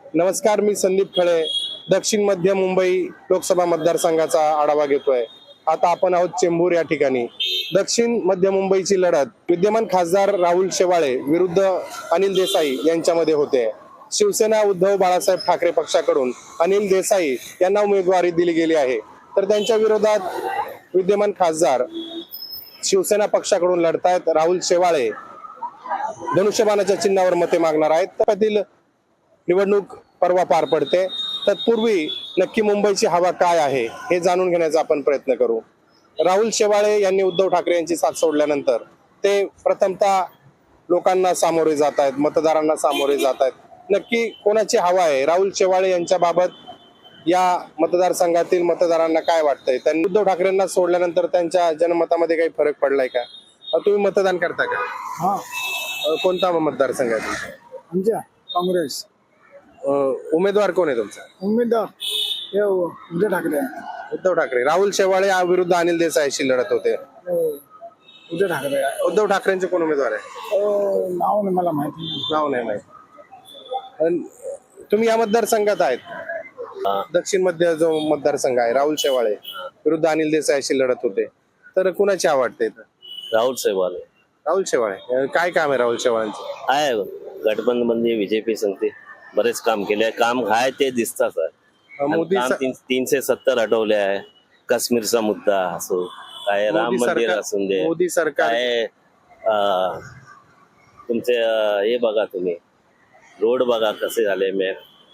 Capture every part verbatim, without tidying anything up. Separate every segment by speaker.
Speaker 1: नमस्कार, मी संदीप खळे. दक्षिण मध्य मुंबई लोकसभा मतदारसंघाचा आढावा घेतोय. आता आपण आहोत चेंबूर या ठिकाणी. दक्षिण मध्य मुंबईची लढत विद्यमान खासदार राहुल शेवाळे विरुद्ध अनिल देसाई यांच्यामध्ये होते. शिवसेना उद्धव बाळासाहेब ठाकरे पक्षाकडून अनिल देसाई यांना उमेदवारी दिली गेली आहे, तर त्यांच्या विरोधात विद्यमान खासदार शिवसेना पक्षाकडून लढतायत राहुल शेवाळे. धनुष्यबाणाच्या चिन्हावर मते मागणार आहेत. त्यातील निवडणूक परवा पार पडते. तत्पूर्वी नक्की मुंबईची हवा काय आहे हे जाणून घेण्याचा आपण प्रयत्न करू. राहुल शेवाळे यांनी उद्धव ठाकरे यांची साथ सोडल्यानंतर ते प्रथमतः लोकांना सामोरे जात आहेत, मतदारांना सामोरे जात आहेत. नक्की कोणाची हवा आहे? राहुल शेवाळे यांच्या बाबत या मतदारसंघातील मतदारांना काय वाटतंय? त्यांनी उद्धव ठाकरेंना सोडल्यानंतर त्यांच्या जनमतामध्ये काही फरक पडलाय का? तुम्ही मतदान करता का?
Speaker 2: हा.
Speaker 1: कोणता मतदारसंघ आहे तुमचा?
Speaker 2: आमच्या काँग्रेस.
Speaker 1: उमेदवार कोण आहे तुमचा?
Speaker 2: उमेदवार हे उद्धव ठाकरे.
Speaker 1: उद्धव ठाकरे. राहुल शेवाळे विरुद्ध अनिल देसाईशी लढत होते.
Speaker 2: उद्धव ठाकरे.
Speaker 1: उद्धव ठाकरेंचे कोण उमेदवार आहे?
Speaker 2: नाव नाही मला माहिती नाही.
Speaker 1: नाव नाही माहिती. तुम्ही या मतदारसंघात आहेत. दक्षिण मध्य जो मतदारसंघ आहे, राहुल शेवाळे विरुद्ध अनिल देसाईशी लढत होते, तर कुणाची आवडते?
Speaker 3: राहुल शेवाळे.
Speaker 1: राहुल शेवाळे. काय काम आहे राहुल शेवाळ्यांचं?
Speaker 3: आहे गठबंधन मध्ये बीजेपी संगते बरेच काम केले. काम आहे ते दिसतात.
Speaker 1: मोदी
Speaker 3: काम तीन, तीनशे सत्तर हटवले आहे. काश्मीरचा मुद्दा असो, काय राम
Speaker 1: मोदी
Speaker 3: मंदिर
Speaker 1: सरकार-
Speaker 3: असून दे,
Speaker 1: मोदी सरकार
Speaker 3: काय अं, तुमचे अं, हे बघा, तुम्ही रोड बघा कसे झाले. मे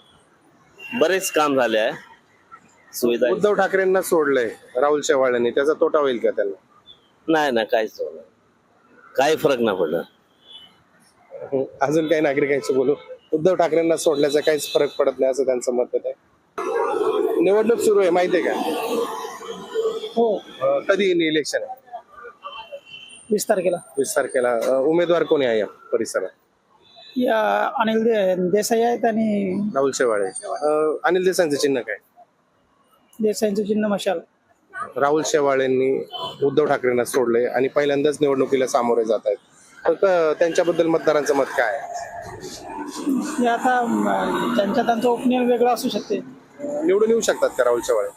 Speaker 3: बरेच काम झाले आहे. सुविधा
Speaker 1: उद्धव ठाकरेंना सोडलंय राहुल शेवाळ्यांनी, त्याचा तोटा होईल का त्यांना?
Speaker 3: नाही ना, काहीच नाही. काही फरक नाही पडणार.
Speaker 1: अजून काही नागरिकांशी बोलू. उद्धव ठाकरेंना सोडल्याचा काहीच फरक पडत नाही असं त्यांचं मत आहे. निवडणूक सुरू आहे, माहितीये का?
Speaker 2: हो.
Speaker 1: अं, कधी इलेक्शन आहे?
Speaker 2: वीस तारखेला.
Speaker 1: वीस तारखेला. अं, उमेदवार कोणी आहे या परिसरात?
Speaker 2: या अनिल दे- देसाई आहेत आणि
Speaker 1: राहुल शेवाळे. अं, अनिल देसाईंचं चिन्ह काय?
Speaker 2: देसाईंचं चिन्ह मशाल.
Speaker 1: राहुल शेवाळेंनी उद्धव ठाकरेंना सोडले आणि पहिल्यांदाच निवडणुकीला सामोरे जात आहेत. तर क- त्यांच्याबद्दल मतदारांचं मत काय आहे?
Speaker 2: हे आता अं, त्यांच्या त्यांचं ओपिनियन वेगळं असू शकते.
Speaker 1: निवडून येऊ शकतात का राहुल शेवाळे?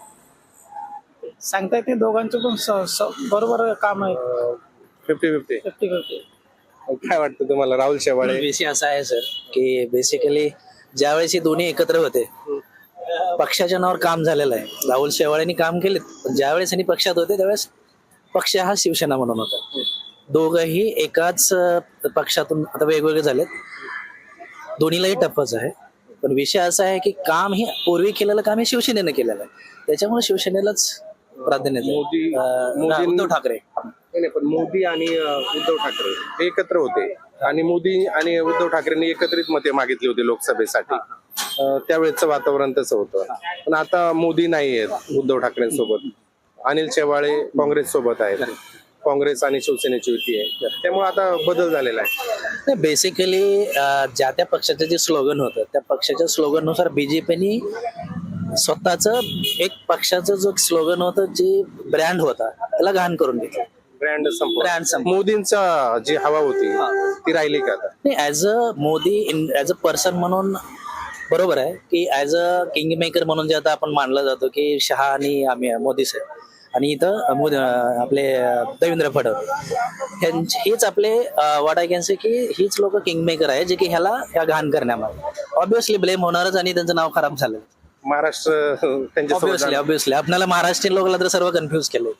Speaker 2: सांगता येते. दोघांचं पण स- स- बरोबर काम आहे.
Speaker 1: Fifty fifty.
Speaker 2: Fifty fifty.
Speaker 1: काय वाटतं तुम्हाला राहुल शेवाळे?
Speaker 4: विषय असा आहे सर की बेसिकली ज्यावेळेस हे दोन्ही एकत्र होते, पक्षाच्या नावावर काम झालेलं आहे. राहुल शेवाळेंनी काम केले, पण ज्यावेळेस यांनी पक्षात होते त्यावेळेस पक्ष हा शिवसेना म्हणून होता. दोघंही एकाच अं, पक्षातून आता वेगवेगळे झालेत. दोन्हीलाही टप्पच आहे. पण विषय असा आहे की काम हे पूर्वी केलेलं काम हे शिवसेनेनं केलेलं आहे. त्याच्यामुळे शिवसेनेलाच प्राधान्य आहे.
Speaker 1: मोदी
Speaker 4: अं,
Speaker 1: मोदी-
Speaker 4: उद्धव ठाकरे.
Speaker 1: नाही नाही, पण मोदी आणि अं, उद्धव ठाकरे हे एकत्र होते आणि मोदी आणि उद्धव ठाकरेंनी एकत्रित मते मागितली होती लोकसभेसाठी. अं, त्यावेळेचं वातावरण तसं होतं. पण आता मोदी नाही आहेत उद्धव ठाकरेंसोबत. अनिल शेवाळे काँग्रेस सोबत आहेत. काँग्रेस आणि शिवसेनेची युती आहे, त्यामुळे आता बदल झालेला आहे.
Speaker 4: बेसिकली ज्या त्या पक्षाचं जे स्लोगन होतं त्या पक्षाच्या स्लोगन नुसार बीजेपीनी स्वतःच एक पक्षाचं जो स्लोगन होतं, जे ब्रँड होता, त्याला घाण करून घेतलं.
Speaker 1: ब्रँड संपला.
Speaker 4: ब्रँड संपला.
Speaker 1: मोदींचा जी हवा होती ती राहिली का आता?
Speaker 4: नाही, as a Modi in as a person म्हणून बरोबर आहे की ऍज अ किंग मेकर म्हणून जे आता आपण मानलं जातो की शहा आणि आम्ही मोदी साहेब आणि इथं मोदी अं, आपले अं, देवेंद्र फडणवीस ह्यांचे- हेच आपले वाट आय कॅन से की हीच लोक किंग मेकर आहे जे की ह्याला ह्या घाण करण्यामध्ये ऑब्विसली ब्लेम होणारच आणि त्यांचं नाव खराब झालं.
Speaker 1: महाराष्ट्र त्यांच्यासोबत
Speaker 4: ऑब्विसली
Speaker 1: झालं.
Speaker 4: ऑब्विसली आपल्याला महाराष्ट्रीयन लोकांना तर सर्व कन्फ्युज केले.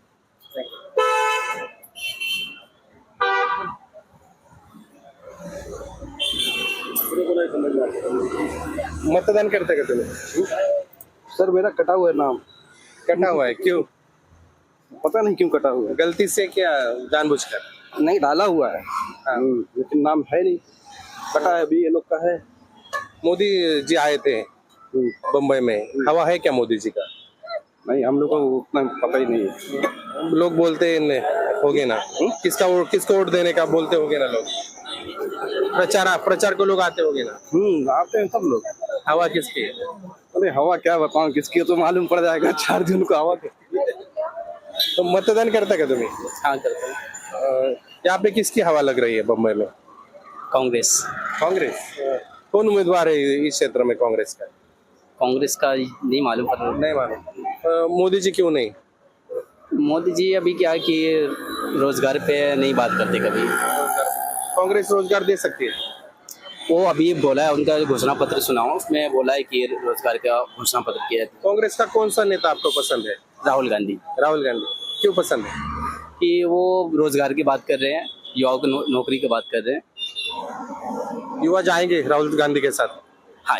Speaker 1: मतदान करते का तुम्ही?
Speaker 5: सर मेरा कटा हुआ है नाम।
Speaker 1: कटा हुआ है, क्यों?
Speaker 5: पता नहीं क्यों कटा हुआ है।
Speaker 1: गलती से क्या जानबूझकर?
Speaker 5: नहीं डाला हुआ है हम्म, लेकिन नाम है नहीं, कटा है। अभी ये लोग का है।
Speaker 1: मोदी जी आए थे बम्बई में, हवा है क्या मोदी जी का?
Speaker 5: नहीं, हम लोग को उतना पता ही नहीं है।
Speaker 1: लोग बोलते हैं होगे ना, किसका वोट किसको वोट देने का बोलते होगे ना लोग, प्रचार प्रचार को लोग आते होगे ना,
Speaker 5: हम्म आते हैं सब लोग।
Speaker 1: हवा किसकी है?
Speaker 5: अरे हवा क्या बताऊं किसकी है, तो मालूम पड़ जाएगा चार दिन को हवा किसकी है।
Speaker 1: तो मतदान करता का तुम्ही?
Speaker 4: हाँ करते हैं.
Speaker 1: अं, यहाँ पे किसकी हवा लग रही है बम्बई में?
Speaker 4: काँग्रेस.
Speaker 1: कांग्रेस. कौन उम्मीदवार है इस क्षेत्र में कांग्रेस का?
Speaker 6: कांग्रेस का नहीं मालूम पर
Speaker 1: नहीं मालूम। अ, मोदी जी क्यों नहीं?
Speaker 6: मोदी जी अभी क्या कि रोजगार पे नहीं बात करते कभी।
Speaker 1: कांग्रेस रोजगार दे सकती है?
Speaker 6: वो अभी बोला है, उनका घोषणा पत्र सुनाओ, उसमें बोला है कि रोजगार का घोषणा पत्र किया है।
Speaker 1: कांग्रेस का कौन सा नेता आपको पसंद है?
Speaker 6: राहुल गांधी,
Speaker 1: राहुल गांधी क्यों पसंद है?
Speaker 6: कि वो रोजगार की बात कर रहे हैं, युवाओं को नो, नौकरी की बात कर रहे हैं।
Speaker 1: युवा जाएंगे राहुल गांधी के साथ?
Speaker 6: हाँ,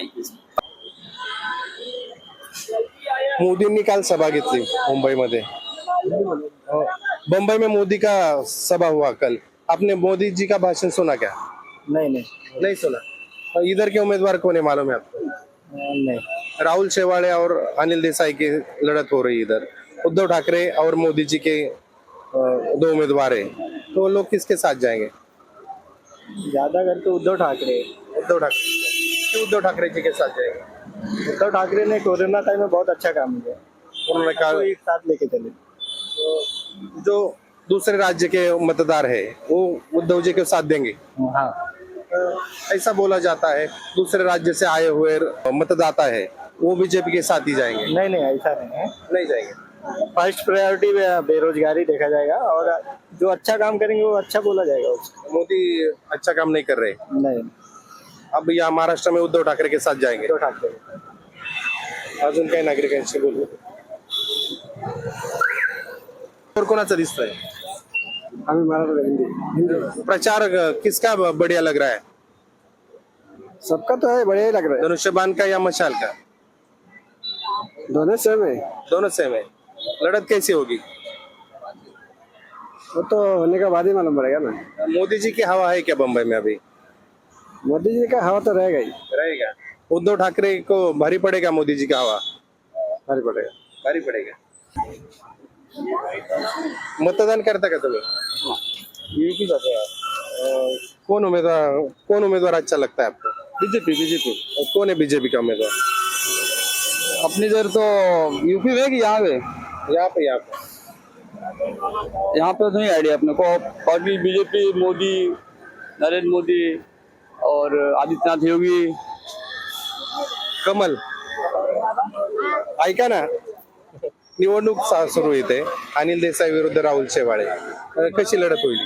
Speaker 1: मोदींनी काल सभा घेतली मुंबईमध्ये। बम्बई में मोदी का सभा हुआ कल, आपने मोदी जी का भाषण सुना क्या?
Speaker 2: नहीं नहीं
Speaker 1: नहीं सुना। और इधर के उम्मीदवार कौन है मालूम है आपको?
Speaker 2: नहीं।
Speaker 1: राहुल शेवाड़े और अनिल देसाई की लड़त हो रही है इधर। उद्धव ठाकरे और मोदी जी के अ, दो उम्मीदवार है, तो वो लोग किसके साथ जाएंगे?
Speaker 2: ज्यादा करके उद्धव ठाकरे।
Speaker 1: उद्धव ठाकरे क्यों उद्धव ठाकरे जी के साथ जाएंगे?
Speaker 2: उद्धव ठाकरे ने कोरोना टाइम में बहुत अच्छा काम किया,
Speaker 1: उन्होंने कहा
Speaker 2: तो एक साथ लेके चले।
Speaker 1: जो दूसरे राज्य के मतदार है वो उद्धव जी के साथ देंगे।
Speaker 2: हाँ,
Speaker 1: अ, ऐसा बोला जाता है दूसरे राज्य से आए हुए मतदाता है वो बीजेपी के साथ ही जाएंगे।
Speaker 2: नहीं नहीं ऐसा नहीं है।
Speaker 1: नहीं जाएंगे।
Speaker 2: फर्स्ट प्रायोरिटी बेरोजगारी देखा जाएगा, और जो अच्छा काम करेंगे वो अच्छा बोला जाएगा उसको।
Speaker 1: मोदी अच्छा काम नहीं कर रहे,
Speaker 2: नहीं,
Speaker 1: अब या महाराष्ट्र में उद्धव ठाकरे के साथ जाएंगे।
Speaker 2: उद्धव ठाकरे।
Speaker 1: अजून काही नागरिकांशी बोलू। और कोणाचा दिसतोय
Speaker 2: हमें मराठी हिंदी हिंदी
Speaker 1: प्रचार? किसका बढ़िया लग रहा है?
Speaker 2: सबका तो है, बढ़िया ही लग रहा
Speaker 1: धनुष्यबाण का या मशाल का?
Speaker 2: है। दोनों सेम है,
Speaker 1: दोनों सेम है। लड़त कैसी होगी?
Speaker 2: वो तो होने का बाद ही मालूम पड़ेगा ना।
Speaker 1: मोदी जी की हवा है क्या बम्बई में अभी?
Speaker 2: मोदी जी का हवा तो रहेगा ही।
Speaker 1: रहेगा। उद्धव ठाकरे को भारी पड़ेगा मोदी जी का हवा?
Speaker 2: भारी पड़ेगा।
Speaker 1: भारी पड़ेगा। मतदान करता का तुम्ही?
Speaker 2: यूपी जाते हैं।
Speaker 1: अ, कौन उम्मीदवार कौन उम्मीदवार अच्छा लगता है आपको?
Speaker 2: बीजेपी बीजेपी
Speaker 1: और कौन है बीजेपी का उम्मीदवार?
Speaker 2: अपनी इधर तो यूपी में कि यहाँ पे?
Speaker 1: यहाँ पे यहाँ पे
Speaker 2: यहाँ पे तो नहीं आइडिया अपने को। बाकी बीजेपी, मोदी, नरेंद्र मोदी और आदित्यनाथ योगी।
Speaker 1: कमल। ऐका ना, निवडणूक सा- सुरू येते, अनिल देसाई विरुद्ध राहुल शेवाळे, अ, कशी लढत होईल?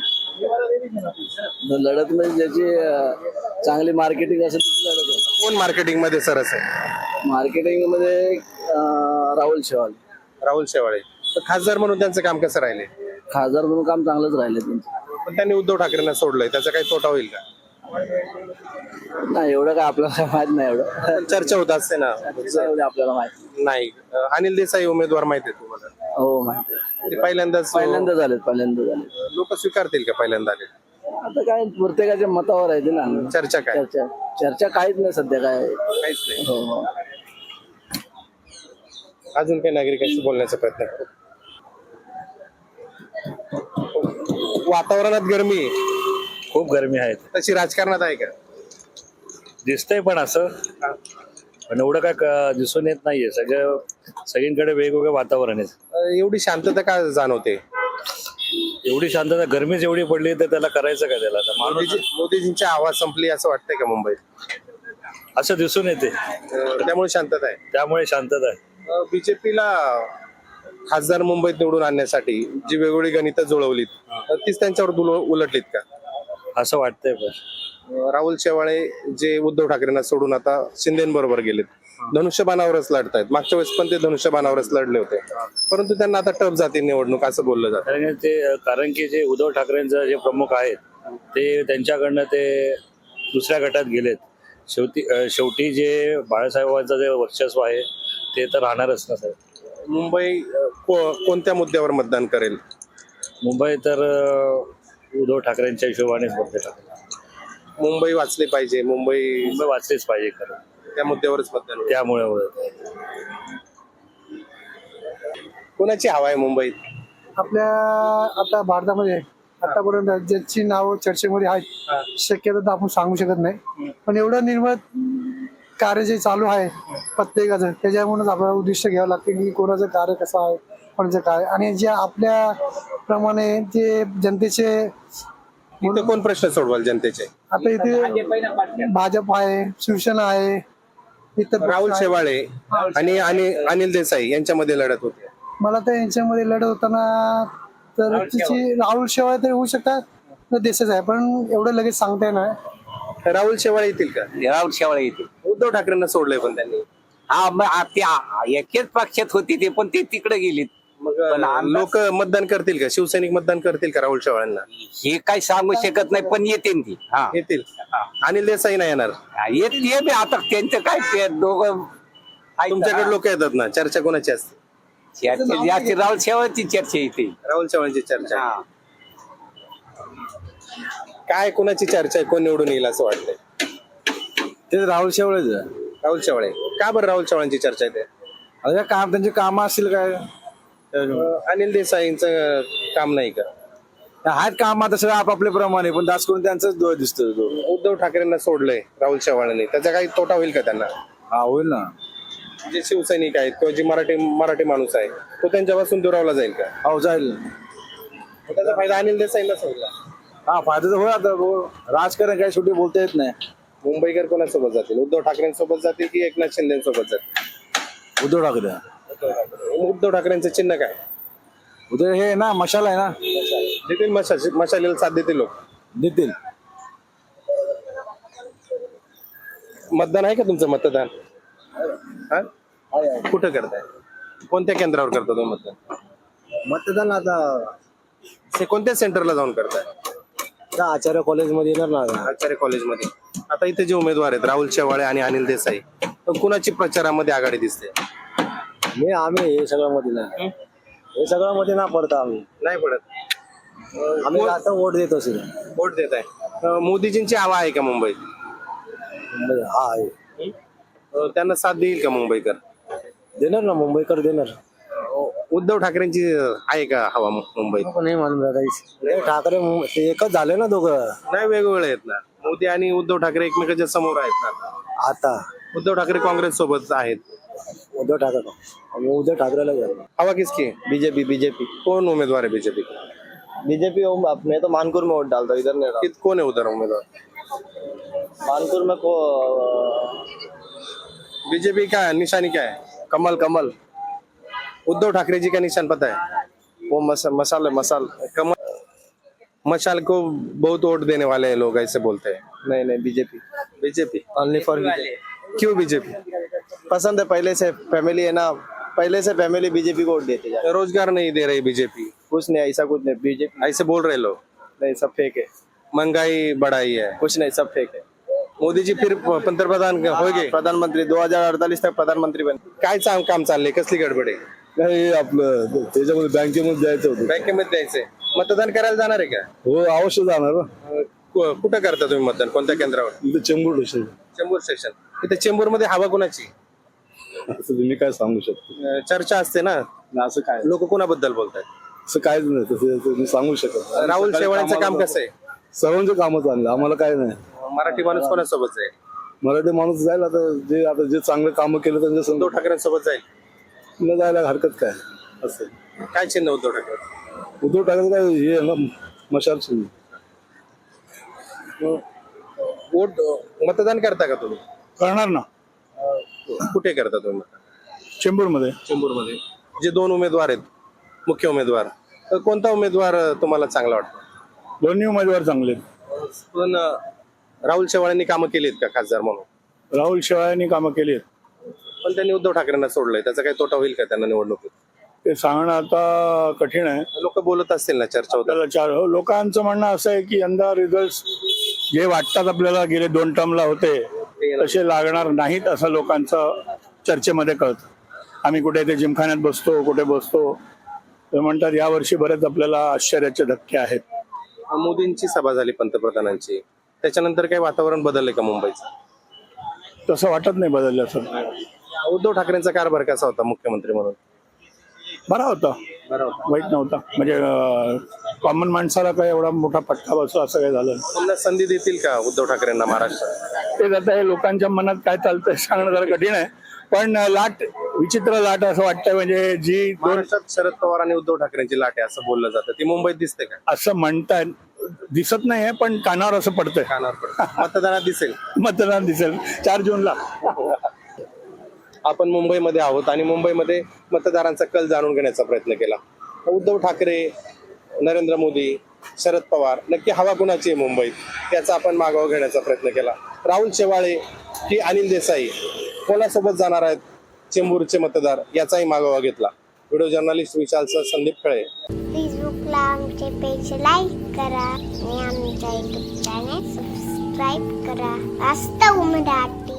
Speaker 4: लढत म्हणजे ज्याची चांगली मार्केटिंग असेल त्याची लढत आहे.
Speaker 1: कोण मार्केटिंग मध्ये सरस आहे?
Speaker 4: मार्केटिंग मध्ये अं, राहुल शेवाळे
Speaker 1: राहुल शेवाळे. तर खासदार म्हणून त्यांचं काम कसं राहिले?
Speaker 4: खासदार म्हणून काम चांगलंच राहिले त्यांचं.
Speaker 1: पण त्यांनी उद्धव ठाकरेंना सोडलंय, त्याचा काही तोटा होईल का?
Speaker 4: नाही एवढं काय आपल्याला माहित नाही एवढं
Speaker 1: पण चर्चा होत असते ना.
Speaker 4: एवढं आपल्याला माहित
Speaker 1: नाही. अ, अनिल देसाई उमेदवार माहिती आहे तुम्हाला?
Speaker 4: हो माहिती आहे.
Speaker 1: ते पहिल्यांदाच
Speaker 4: पहिल्यांदा झालेत पहिल्यांदा झाले.
Speaker 1: लोक स्वीकारतील का पहिल्यांदा आले?
Speaker 4: आता काय प्रत्येकाच्या मतावर आहे ते ना.
Speaker 1: चर्चा काय?
Speaker 4: चर्चा चर्चा काहीच नाही सध्या काय.
Speaker 1: काहीच नाही.
Speaker 4: हो हो
Speaker 1: अजून काही नागरिकांशी बोलण्याचा प्रयत्न करू. वातावरणात गरमी आहे.
Speaker 7: खूप गरमी आहे.
Speaker 1: तशी राजकारणात आहे का?
Speaker 7: दिसतंय पण असं पण एवढं काय क- दिसून येत नाहीये. सगळं सगळीकडे वेगवेगळं वातावरण आहे.
Speaker 1: अ, एवढी शांतता का जाणवते?
Speaker 7: एवढी शांतता गरमीच एवढी पडली तर त्याला करायचं काय त्याला आता माणूस
Speaker 1: मोदीजी मोदीजींची आवाज संपली असं वाटतंय का मुंबईत?
Speaker 7: असं दिसून येते.
Speaker 1: अ, त्यामुळे शांतता आहे.
Speaker 7: त्यामुळे शांतता आहे.
Speaker 1: बीजेपीला खासदार मुंबईत निवडून आणण्यासाठी जी वेगवेगळी गणितं जुळवलीत अ, तीच त्यांच्यावर दुल- उलटलीत का?
Speaker 7: असं वाटतंय पण
Speaker 1: अ, राहुल शेवाळे जे उद्धव ठाकरेंना सोडून आता शिंदेबरोबर गेलेत, धनुष्यबाणावरच लढतायत. मागच्या वेळेस पण ते धनुष्यबाणावरच लढले होते, परंतु त्यांना आता टफ जाते निवडणूक असं बोललं जातं.
Speaker 7: कारण की ते कारण की जे उद्धव ठाकरेंचं जे प्रमुख आहेत ते त्यांच्याकडनं ते दुसऱ्या गटात गेलेत. शेवटी अं, शेवटी जे बाळासाहेबांचं जे वर्चस्व आहे ते तर राहणारच ना सर.
Speaker 1: मुंबई अ, को- कोणत्या मुद्द्यावर मतदान करेल?
Speaker 7: मुंबई तर अं, उद्धव ठाकरेंच्या हिशोबानेच बघते ठाकरे.
Speaker 1: मुंबई वाचली पाहिजे, मुंबई
Speaker 7: मुंबई वाचलीच पाहिजे खरं.
Speaker 1: त्या मुद्द्यावरच मतदान होईल.
Speaker 7: त्यामुळे
Speaker 1: कोणाची हवा आहे मुंबईत?
Speaker 8: आपल्या आता भारतामध्ये आतापर्यंत ज्याची नावं चर्चेमध्ये आहेत, शक्यता तर आपण सांगू शकत नाही, पण एवढं निर्मळ कार्य जे चालू आहे प्रत्येकाचं, त्याच्यामुळेच आपल्याला उद्दिष्ट घ्यावं लागतं की कोणाचं कार्य कसं आहे, कोणाचं काय, आणि जे आपल्या प्रमाणे जे जनतेचे
Speaker 1: इथं कोण प्रश्न सोडवाल जनतेचे?
Speaker 8: आता इथे भाजप आहे, शिवसेना आहे, इतर पक्ष
Speaker 1: राहुल
Speaker 8: आहे.
Speaker 1: शेवाळे आणि आणि अनिल देसाई यांच्यामध्ये लढत होते.
Speaker 8: मला तर यांच्यामध्ये लढत होताना तर तिची राहुल शेवाळे तरी होऊ शकतात तर देशच आहे, पण एवढं लगेच सांगता येणार.
Speaker 1: राहुल शेवाळे येतील का?
Speaker 9: राहुल शेवाळे येते.
Speaker 1: उद्धव ठाकरेंना सोडलंय पण त्यांनी.
Speaker 9: हा मग आ- ते आ- एकेच पक्षात होते ते, पण ते तिकडे गेलेत. पण आमदार-
Speaker 1: लोक मतदान करतील का? शिवसैनिक मतदान करतील का राहुल शेवाळ्यांना?
Speaker 9: हे काही सांगू शकत नाही, पण येते ती. हा
Speaker 1: येतील. अनिल देसाई नाही येणार.
Speaker 9: येते बी. आता त्यांचं काय ते दोघं
Speaker 1: तुमच्याकडे लोक येतात ना, चर्चा कोणाची असते?
Speaker 9: चर्चा जास्त राहुल शेवाळची चर्चा येते.
Speaker 1: राहुल शेवाळ्यांची चर्चा.
Speaker 9: हा
Speaker 1: काय कोणाची चर्चा आहे? कोण निवडून येईल असं वाटतंय?
Speaker 5: ते राहुल शेवाळेच
Speaker 1: राहुल शेवाळे. का बरं राहुल शेवाळ्यांची चर्चा आहे?
Speaker 5: आता काम त्यांचे काम असतील काय
Speaker 1: अनिल देसाईंचं काम नाही का?
Speaker 5: आहेत काम आता सगळं आपापल्या प्रमाणे, पण दास करून त्यांचाच डोळ दिसतो तो.
Speaker 1: उद्धव ठाकरेंना सोडलंय राहुल शेवाळ्यांनी, त्याचा काही तोटा होईल का त्यांना?
Speaker 5: हा होईल ना.
Speaker 1: जे शिवसैनिक आहेत किंवा जे मराठी मराठी माणूस आहे तो त्यांच्यापासून दुरावला जाईल का?
Speaker 5: हो जाईल.
Speaker 1: त्याचा फायदा अनिल देसाईंना होईल.
Speaker 5: हा फायदा तर होईल. आता भाऊ, राजकारण काय शेवटी बोलता येत नाही.
Speaker 1: मुंबईकर कोणासोबत जातील? उद्धव ठाकरेंसोबत जातील की एकनाथ शिंदेसोबत जातील?
Speaker 5: उद्धव ठाकरे.
Speaker 1: उद्धव ठाकरेंचं चिन्ह काय?
Speaker 5: उद्धव हे ना मशाला आहे ना,
Speaker 1: देतील मशाल मशालीला साथ देतील लोक.
Speaker 5: देतील.
Speaker 1: मतदान आहे का तुमचं? मतदान हा? कुठं करताय? कोणत्या केंद्रावर करता तुम्ही मतदान?
Speaker 5: मतदान आता
Speaker 1: ते कोणत्या सेंटरला जाऊन करताय?
Speaker 5: आचार्य कॉलेजमध्ये येणार ना.
Speaker 1: आचार्य कॉलेजमध्ये. आता इथे जे उमेदवार आहेत राहुल शेवाळे आणि अनिल देसाई, तर कुणाची प्रचारामध्ये आघाडी दिसते?
Speaker 5: मी आम्ही हे सगळं मध्ये नाही, हे सगळं मध्ये ना पडता आम्ही
Speaker 1: नाही पडत.
Speaker 5: आम्ही आता वोट देतो सगळं.
Speaker 1: वोट देत आहे. मोदीजींची हवा आहे का मुंबईत?
Speaker 5: हा आहे.
Speaker 1: अं, त्यांना साथ देईल का मुंबईकर?
Speaker 5: देणार ना, मुंबईकर देणार.
Speaker 1: उद्धव ठाकरेंची आहे का हवा मु- मुंबईत?
Speaker 5: नाही मालूम दादा. हे ठाकरे मु- ते एकच झाले ना दोघं
Speaker 1: नाही, वेगवेगळे आहेत ना. मोदी आणि उद्धव ठाकरे एकमेकांच्या समोर आहेत ना.
Speaker 5: आता.
Speaker 1: उद्धव ठाकरे काँग्रेस सोबत आहेत.
Speaker 5: उद्धव ठाकरे आम्ही उद्धव ठाकरेला जाऊ.
Speaker 1: हवा किसकी?
Speaker 5: बीजेपी बीजेपी
Speaker 1: कोण उमेदवार है बीजेपी?
Speaker 5: बीजेपी मैं तो मानपुर में वोट डालता हूँ, इधर नहीं डालता.
Speaker 1: कित कौन है उधर उम्मीदवार?
Speaker 5: मानपुर में को
Speaker 1: बीजेपी का निशानी क्या है?
Speaker 5: कमल कमल
Speaker 1: उद्धव ठाकरे जी का निशान पता है?
Speaker 5: वो मस, मसाले मसाल
Speaker 1: कमल. मशाल को बहुत वोट देने वाले हैं लोग, ऐसे बोलते हैं.
Speaker 5: नहीं नहीं BJP
Speaker 1: BJP.
Speaker 5: Only for BJP.
Speaker 1: क्यों बीजेपी?
Speaker 5: पसंद है, पहले से फैमिली है ना, पहले से फैमिली बीजेपी को वोट देते जा.
Speaker 1: रोजगार नहीं दे रही बीजेपी,
Speaker 5: कुछ नहीं, ऐसा कुछ नहीं. बीजेपी
Speaker 1: ऐसे बोल रहे लोग.
Speaker 5: नहीं, सब फेक है.
Speaker 1: महंगाई बढ़ाई है.
Speaker 5: कुछ नहीं, सब फेक है.
Speaker 1: मोदी जी फिर पंतप्रधान होगे?
Speaker 5: प्रधानमंत्री दो हजार अडतालीस तक प्रधानमंत्री बन.
Speaker 1: काय चांग काम चाललंय? कसली गडबड आहे?
Speaker 5: नाही आपलं त्याच्यामध्ये बँकेमध्ये जायचं होतं.
Speaker 1: बँकेमध्ये द्यायचंय. मतदान करायला जाणार आहे का?
Speaker 5: हो अवश्य जाणार ना.
Speaker 1: अं, कु- कुठं करता तुम्ही मतदान? कोणत्या केंद्रावर?
Speaker 5: इथे चेंबूर स्टेशन.
Speaker 1: चेंबूर स्टेशन. इथे चेंबूर मध्ये हवा कोणाची?
Speaker 5: असं तुम्ही काय सांगू शकतो?
Speaker 1: अं, चर्चा असते ना,
Speaker 5: असं काय
Speaker 1: लोक कोणाबद्दल बोलतात?
Speaker 5: असं काहीच नाही, तसं तुम्ही सांगू शकत.
Speaker 1: राहुल शेवाळ्यांचं काम कसं आहे?
Speaker 5: सर्वांचे कामं चांगलं, आम्हाला काय नाही.
Speaker 1: मराठी माणूस कोणासोबत जाईल?
Speaker 5: मराठी माणूस जाईल. आता जे आता जे चांगलं कामं केलं त्यांच्या
Speaker 1: उद्धव
Speaker 5: समोर
Speaker 1: ठाकरेंसोबत जाईल.
Speaker 5: न जायला हरकत काय. असं
Speaker 1: काय चिन्ह उद्धव ठाकरे?
Speaker 5: उद्धव ठाकरे काय हे आहे ना, मशाल चिन्ह.
Speaker 1: वोट मतदान करता का तुम्ही?
Speaker 5: करणार ना.
Speaker 1: कुठे करता तुम्ही मतदान?
Speaker 5: चेंबूर मध्ये.
Speaker 1: चेंबूर मध्ये. जे दोन उमेदवार आहेत, मुख्य उमेदवार, तर कोणता उमेदवार तुम्हाला चांगला वाटतो?
Speaker 5: दोन्ही उमेदवार चांगले.
Speaker 1: पण अं, राहुल शेवाळ्यांनी कामं केली आहेत का खासदार म्हणून?
Speaker 5: राहुल शेवाळ्यांनी कामं केली.
Speaker 1: पण त्यांनी उद्धव ठाकरेंना सोडलंय, त्याचा काही तोटा होईल का त्यांना निवडणुकीत?
Speaker 5: ते सांगणं आता कठीण आहे.
Speaker 1: लोक बोलत असतील ना, चर्चा होतात.
Speaker 5: आपल्याला चार लोकांचं म्हणणं असं आहे की यंदा रिझल्ट जे वाटतात आपल्याला गेले दोन टर्मला होते तसे लागणार नाहीत, असं लोकांचं चर्चेमध्ये कळतं. आम्ही कुठे ते जिमखान्यात बसतो, कुठे बसतो, ते म्हणतात यावर्षी बरेच आपल्याला आश्चर्याचे धक्के आहेत.
Speaker 1: मोदींची सभा झाली पंतप्रधानांची, त्याच्यानंतर काही वातावरण बदललंय का मुंबईचं?
Speaker 5: तसं वाटत नाही बदललं असं.
Speaker 1: उद्धव ठाकरेंचा कारभार कसा होता मुख्यमंत्री म्हणून?
Speaker 5: बरा होता, वाईट नव्हता. म्हणजे कॉमन माणसाला काय एवढा मोठा फटका बसो असं काय झालं.
Speaker 1: पुन्हा संधी देतील का उद्धव ठाकरेंना महाराष्ट्रात?
Speaker 5: ते आता हे लोकांच्या मनात काय चालतंय सांगणं जरा कठीण आहे. पण लाट विचित्र लाट असं वाटतंय, म्हणजे जी दोन
Speaker 1: महाराष्ट्रात शरद पवार आणि उद्धव ठाकरेंची लाट आहे असं बोललं जातं, ती मुंबईत दिसते का?
Speaker 5: असं म्हणतात. दिसत नाहीये पण कानावर असं पडतंय.
Speaker 1: कानावर पडतं. मतदानात दिसेल.
Speaker 5: मतदान दिसेल चार जूनला.
Speaker 1: आपण मुंबईमध्ये आहोत आणि मुंबईमध्ये मतदारांचा कल जाणून घेण्याचा प्रयत्न केला. उद्धव ठाकरे, नरेंद्र मोदी, शरद पवार, नक्की हवा कुणाची आहे मुंबईत त्याचा आपण मागोवा घेण्याचा प्रयत्न केला. राहुल शेवाळे की अनिल देसाई कोणासोबत जाणार आहेत चेंबूरचे मतदार याचाही मागोवा घेतला. व्हिडिओ जर्नलिस्ट विशालसह संदीप खळे.
Speaker 10: फेसबुकला आमचे पेज लाईक करा आणि आमच्या युट्यूब चॅनेल सबस्क्राईब करा. वास्तव मराठी.